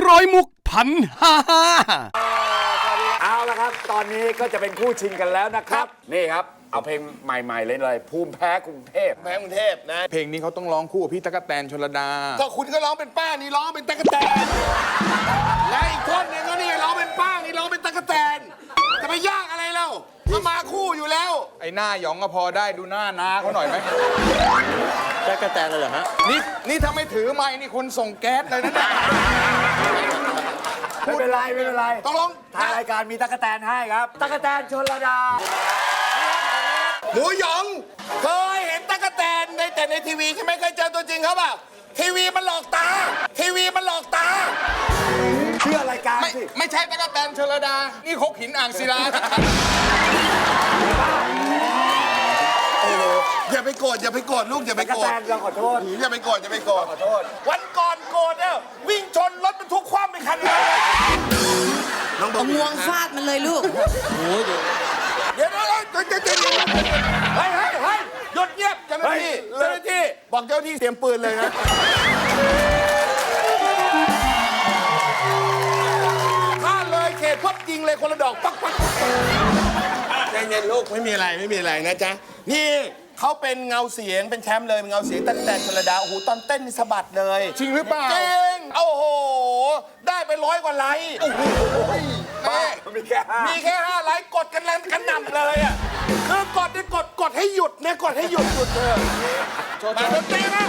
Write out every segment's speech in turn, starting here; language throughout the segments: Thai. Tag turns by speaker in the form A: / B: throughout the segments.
A: ร้อยมุกพันห้า
B: เอาละครับตอนนี้ก็จะเป็นคู่ชิงกันแล้วนะครับนี่ครับเอาเพลงใหม่ๆเลยภูมิแพ้กรุงเทพ
C: แพ้กรุงเทพนะ
D: เพลงนี้เขาต้องร้องคู่กับพี่ตั๊กแตนชลดา
C: ก็คุณก็ร้องเป็นป้านี่ร้องเป็นตั๊กแตนและอีกคนหนึงก็นี่ร้องเป็นป้านี่ร้องเป็นตั๊กแตนจะไปยากอะไรเล่าก็มาคู่อยู่แล้ว
D: ไอ้หน้าหยองก็พอได้ดูหน้านาเขาหน่อยไหม
E: ตั๊กแตนเลยเหรอฮะ
D: นี่ถ้าไม่ถือไม้นี่คนส่งแก๊สเลยนะเนี่ย
B: ไม่เป็นไร
C: ต้องร้อง
B: ทางรายการมีตั๊กแตนให้ครับตั๊กแตนชลดา
C: หมูหยองเคยเห็นตั๊กแตนแต่ในทีวีใช่ไหมเคยเจอตัวจริงเขาเปล่าทีวีมันหลอกตา
B: เชื่อรายการสิ
D: ไม่ใช่ตั๊กแตนชลดานี่คกหินอ่างศิลา
C: อย่าไปโกรธลูกอย่าไปโกรธ
B: ตั๊กแตนเราขอโทษ
C: อย่าไปโกรธวันก่อนโกรธเนี่ยวิ่งชนรถบรรทุกคว่ำไปคันเลย
F: เอางวงฟาดมันเลยลูก
C: เดี๋ยวเฮ้ยหยุดเงียบเจ้าหน้าที่บอกเจ้าหน้าที่เตรียมปืนเลยนะถ้าเลยเขตพับยิงเลยคนละดอกปักใจเย็นลูกไม่มีอะไรนะจ๊ะนี่เขาเป็นเงาเสียงเป็นแชมป์เลยเป็นเงาเสียงตั๊กแตนชลดาโอ้โหตอนเต้นนี่สะบัดเลย
D: จริงหรือเปล่า
C: จริงโอ้โหได้ไป100 กว่าไลค์โอ้โหมีแค่5 ไลค์กดกันแรงกันหนำเลยอ่ะคือกดเนี่ยกดให้หยุดเนี่ยกดให้หยุดเถอะมาดนตรีนะ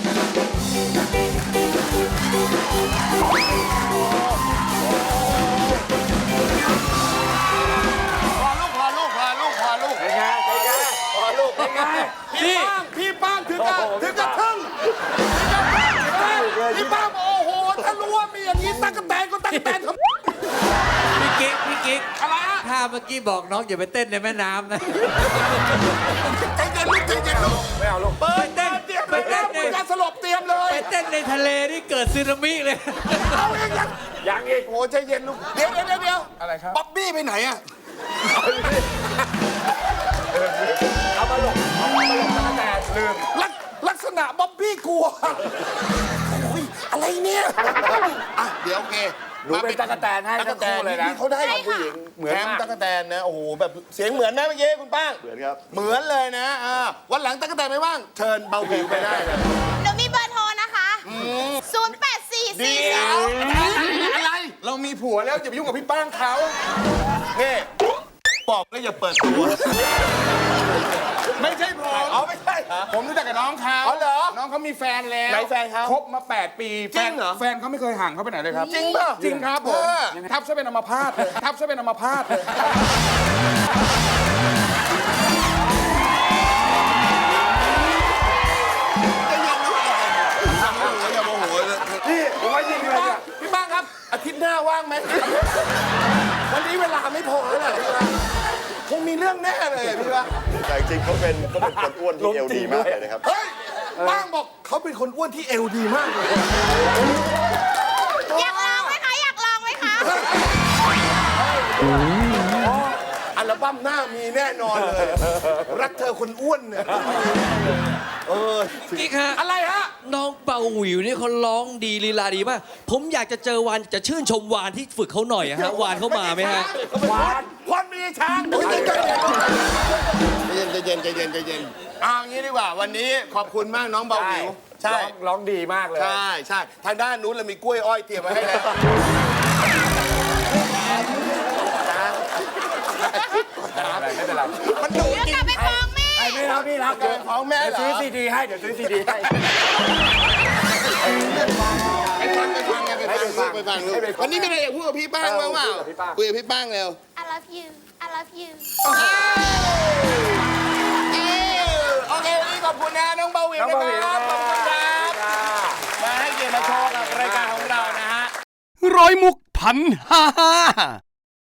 C: พอลูก
B: เป็นไงพอลูกเป็นไง
C: พี่ป้างถึงกับทึ่งพี่ป้างโอ้โหถ้ารู้ว่ามีอย่างนี้ตั๊กแตนก็ตั๊กแตนครับ
F: พี่กิ๊ก
C: อะไรอะ
F: ถ้าเมื่อกี้บอกน้องอย่าไปเต้นในแม่น้ำนะ
C: ใจเย็นลูก
B: ไม่เอาลูก
C: เปิดเตรียมเลยการสลบเตรียมเลย
F: ไปเต้นในทะเลนี่เกิดสึนามิเลย
C: เอาเอง
B: ยังอีก
C: โอ้ใจเย็นลูกเดี๋ยว
D: อะไรครับ
C: บ๊อบบี้ไปไหนอะ
B: เอามาหลบตั๊กแตนลืม
C: ลักษณะบ๊อบบี้กลัวอะไรเนี่ยอ่ะเดี๋ยวโอเค
B: หนูเป็นตั๊กแตนให้ทั้งคู่เลยนะ
C: เขาได้ผู้หญิงเหมือนมากตั๊กแตนนะโอ้โหแบบเสียงเหมือนนะเมื่อกี้คุณป้าง
E: เหมือนครับ
C: เหมือนเลยนะวันหลังตั๊กแตนไม่ว่างเชิญเบาวิวไปได้เลย
G: หนูมีเบอร์โทรนะคะ
C: อะไร
D: เรามีผัวแล้วอย่าไปยุ่งกับพี่ป้างเขา
C: นี่บอกแล้วอย่าเปิดตัว
D: ไม่ใช่ผม
C: ไม่ใช่
D: ผมรู้จักกับน้องเขา
C: เหรอ
D: น้องเขามีแฟนแล้ว
C: ไหนแฟนเขา
D: คบมา8 ปี
C: จริงเหรอ
D: แฟนเขาไม่เคยห่างเขาไปไหนเลยครับ
C: จริงป่ะ
D: จริงครับผมทับซะเป็นอัมพาตเลย
C: อย่าโมโหเลย
B: นี่ผมว่ายิงเลย
C: พี่บ้างครับอาทิตย์หน้าว่างไหมวันนี้เวลาไม่พอแล้วแหละคงมีเรื่องแน่เลยพี่ว่า
E: แต่จริงเขาเป็นคนอ้วนที่เอวดีมากเลยนะครับ
C: เฮ้ยบ้างบอกเขาเป็นคนอ้วนที่เอวดีมากเลย
G: อยากลองไหมคะ
C: อัลบั้มหน้ามีแน่นอนเลยรักเธอคนอ้วนเนี่ย
F: กิ๊กฮะ
C: อะไรฮะ
F: น้องเบาหวิวนี่เขาร้องดีลีลาดีมากผมอยากจะเจอวานจะชื่นชมวานที่ฝึกเขาหน่อยฮะวานเขามาไหมฮะ
C: วานคนมีช้างใจเย็นเอางี้ดีกว่าวันนี้ขอบคุณมากน้องเบาหวิว
B: ใช่ร้องดีมากเลย
C: ใช่ทางด้านนู้นเรามีกล้วยอ้อยเตรียมไว้ให้แล้ว
B: ไม่เป็นไร
C: มันดุจริง
G: ไปฟ้องแม่
B: ไม่รับพี่รับ
C: ของแม่เหรอ
B: ซื้อซีดีให้เดี๋ยวซื้อซีดีให้
C: ไปฟังวันนี้มีอะไรอยากพูดกับพี่ป้างบ้างเปล่าคุยกับพี่ป้างเร็ว
G: I love you
C: โอเควันนี้ขอบคุณนะน้องเบาวิวนะครับขอบคุณครับมาให้เกียรติมาโชว์กับรายการของเรานะฮะ
A: ร้อยมุกพันห้า